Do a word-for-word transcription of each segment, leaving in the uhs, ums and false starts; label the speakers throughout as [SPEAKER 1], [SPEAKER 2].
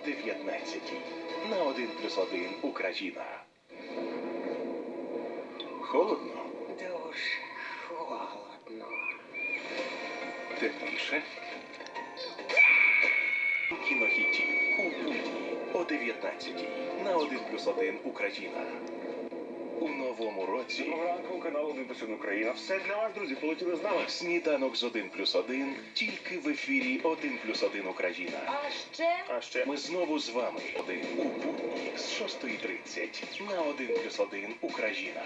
[SPEAKER 1] дев'ятнадцятій. На один плюс один Україна. Холодно?
[SPEAKER 2] Дуже холодно.
[SPEAKER 1] Тепліше? Кінохітів у будні о дев'ятнадцятій. На один плюс один Україна. У новому році
[SPEAKER 3] Доброго ранку, канал один плюс один Україна. Все для вас, друзі, полетіли з нами.
[SPEAKER 1] сніданок з один плюс один тільки в ефірі один плюс один Україна.
[SPEAKER 2] А ще
[SPEAKER 3] А ще
[SPEAKER 1] Ми знову з вами один у будні з шостої тридцять на один плюс один Україна.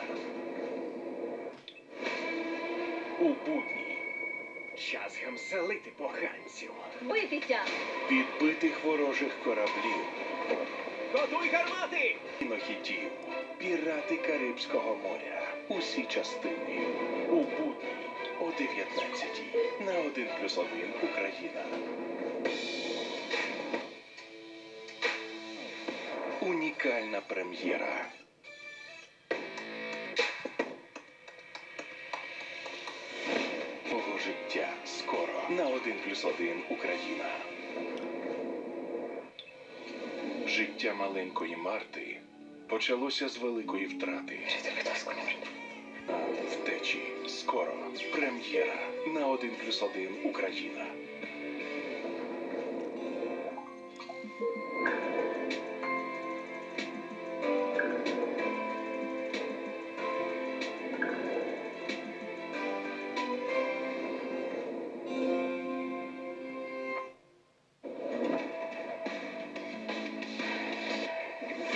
[SPEAKER 1] У будні
[SPEAKER 3] час гамселити поганців.
[SPEAKER 2] битися.
[SPEAKER 1] підбитих ворожих кораблів,
[SPEAKER 3] Готуй гармати!
[SPEAKER 1] кінохітів, пірати Карибського моря. Усі частини у будні о дев'ятнадцятій на один плюс один Україна. Унікальна прем'єра. Мого життя скоро на один плюс один Україна. Життя маленької Марти почалося з великої втрати. Втечі скоро. Прем'єра на один плюс один Україна.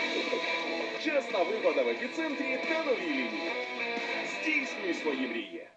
[SPEAKER 3] Чесна вигода в епіцентрі та новій лінії. Здійснюй свої мрії.